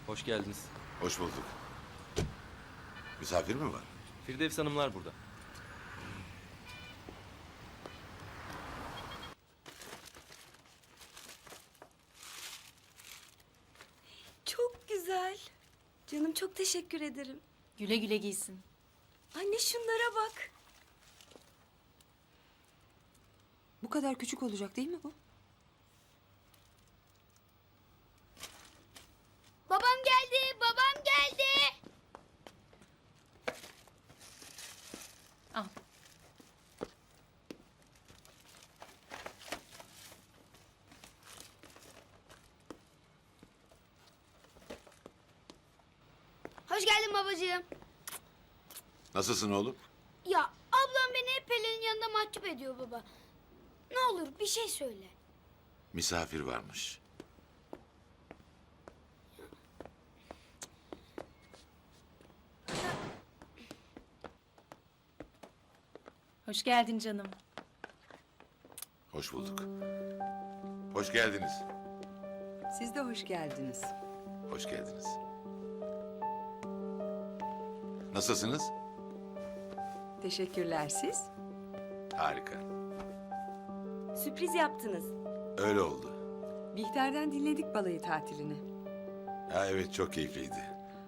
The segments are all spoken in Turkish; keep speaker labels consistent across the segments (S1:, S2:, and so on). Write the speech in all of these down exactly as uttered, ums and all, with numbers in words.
S1: Hoş geldiniz.
S2: Hoş bulduk. Misafir mi var?
S1: Firdevs Hanımlar burada.
S3: Çok güzel. Canım çok teşekkür ederim.
S4: Güle güle giysin.
S3: Anne şunlara bak.
S5: Bu kadar küçük olacak değil mi bu?
S6: Babam geldi, babam geldi.
S4: Al.
S6: Hoş geldin babacığım.
S2: Nasılsın oğlum?
S6: Ya ablam beni hep Pelin'in yanında mahcup ediyor baba. Ne olur bir şey söyle.
S2: Misafir varmış.
S4: Hoş geldin canım.
S2: Hoş bulduk. Hoş geldiniz.
S5: Siz de hoş geldiniz.
S2: Hoş geldiniz. Nasılsınız?
S5: Teşekkürler siz.
S2: Harika.
S3: Sürpriz yaptınız.
S2: Öyle oldu.
S5: Bihter'den dinledik balayı tatilini.
S2: Ha evet çok keyifliydi.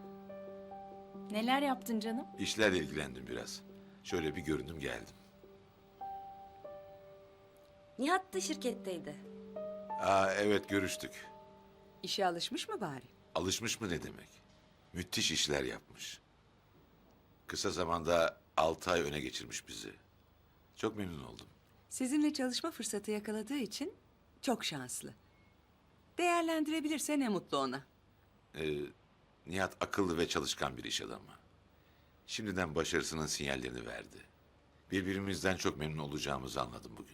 S4: Neler yaptın canım?
S2: İşlerle ilgilendim biraz. Şöyle bir göründüm geldim.
S3: Nihat da şirketteydi.
S2: Aa evet görüştük.
S5: İşe alışmış mı bari?
S2: Alışmış mı ne demek? Müthiş işler yapmış. Kısa zamanda altı ay öne geçirmiş bizi. Çok memnun oldum.
S5: Sizinle çalışma fırsatı yakaladığı için çok şanslı. Değerlendirebilirse ne mutlu ona.
S2: Ee, Nihat akıllı ve çalışkan bir iş adamı. Şimdiden başarısının sinyallerini verdi. Birbirimizden çok memnun olacağımızı anladım bugün.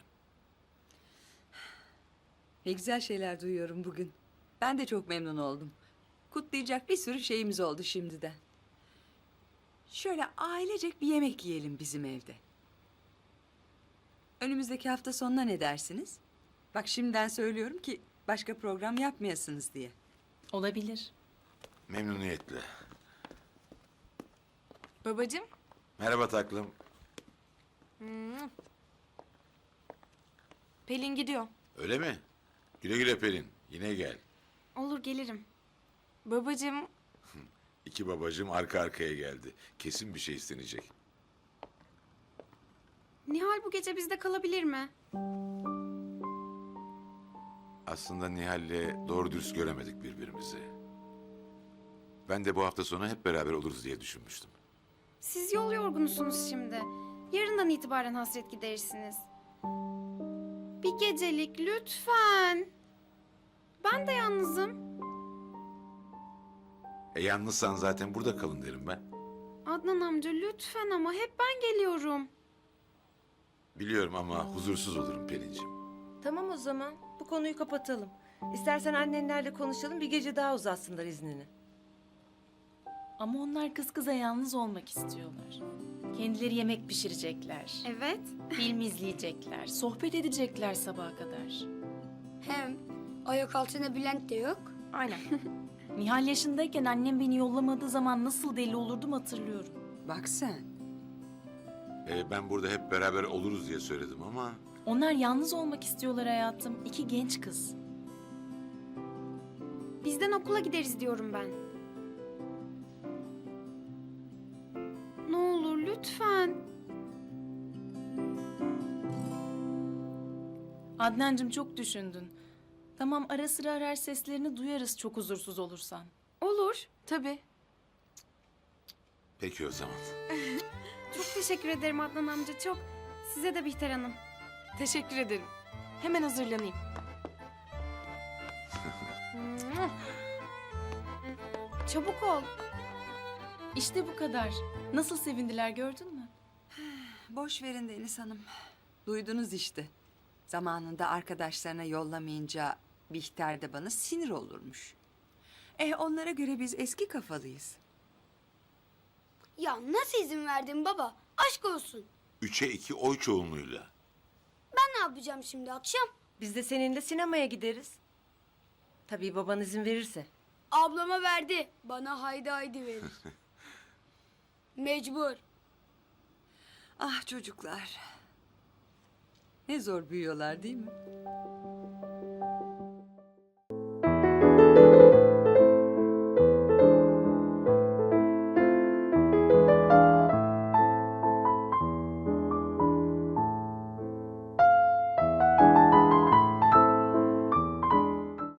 S5: Ne güzel şeyler duyuyorum bugün. Ben de çok memnun oldum. Kutlayacak bir sürü şeyimiz oldu şimdiden. Şöyle ailecek bir yemek yiyelim bizim evde. Önümüzdeki hafta sonuna ne dersiniz? Bak şimdiden söylüyorum ki başka program yapmayasınız diye.
S4: Olabilir.
S2: Memnuniyetle.
S7: Babacığım.
S2: Merhaba taklım.
S7: Pelin gidiyor.
S2: Öyle mi? Güle güle Pelin. Yine gel.
S7: Olur gelirim. Babacığım.
S2: İki babacığım arka arkaya geldi. Kesin bir şey istenecek.
S7: Nihal bu gece bizde kalabilir mi?
S2: Aslında Nihal'le doğru dürüst göremedik birbirimizi. Ben de bu hafta sonu hep beraber oluruz diye düşünmüştüm.
S7: Siz yol yorgunusunuz şimdi. Yarından itibaren hasret giderirsiniz. Bir gecelik lütfen. Ben de yalnızım.
S2: E yalnızsan zaten burada kalın derim ben.
S7: Adnan amca lütfen ama hep ben geliyorum.
S2: Biliyorum ama huzursuz olurum Pelin'ciğim.
S3: Tamam o zaman. Bu konuyu kapatalım. İstersen annenlerle konuşalım. Bir gece daha uzatsınlar iznini.
S4: Ama onlar kız kıza yalnız olmak istiyorlar. Kendileri yemek pişirecekler.
S7: Evet.
S4: Film izleyecekler. Sohbet edecekler sabaha kadar.
S6: Hem ayak altında Bülent de yok.
S4: Aynen. Nihal yaşındayken annem beni yollamadığı zaman nasıl deli olurdum hatırlıyorum.
S5: Bak sen.
S2: E, ben burada hep beraber oluruz diye söyledim ama...
S4: Onlar yalnız olmak istiyorlar hayatım. İki genç kız.
S7: Bizden okula gideriz diyorum ben. Ne olur lütfen.
S4: Adnancığım çok düşündün. Tamam ara sıra arar seslerini duyarız çok huzursuz olursan.
S7: Olur. Tabii.
S2: Peki o zaman.
S7: Çok teşekkür ederim Adnan amca çok. Size de Bihter Hanım.
S8: Teşekkür ederim. Hemen hazırlanayım.
S7: Çabuk ol.
S4: İşte bu kadar. Nasıl sevindiler gördün mü?
S5: Boş verin Deniz Hanım. Duydunuz işte. Zamanında arkadaşlarına yollamayınca Bihter de bana sinir olurmuş. Eh onlara göre biz eski kafalıyız.
S6: Ya nasıl izin verdin baba? Aşk olsun.
S2: Üçe iki oy çoğunluğuyla.
S6: Ben ne yapacağım şimdi akşam?
S3: Biz de seninle sinemaya gideriz. Tabii baban izin verirse.
S6: Ablama verdi. Bana haydi haydi verir. Mecbur.
S5: Ah çocuklar. Ne zor büyüyorlar değil mi?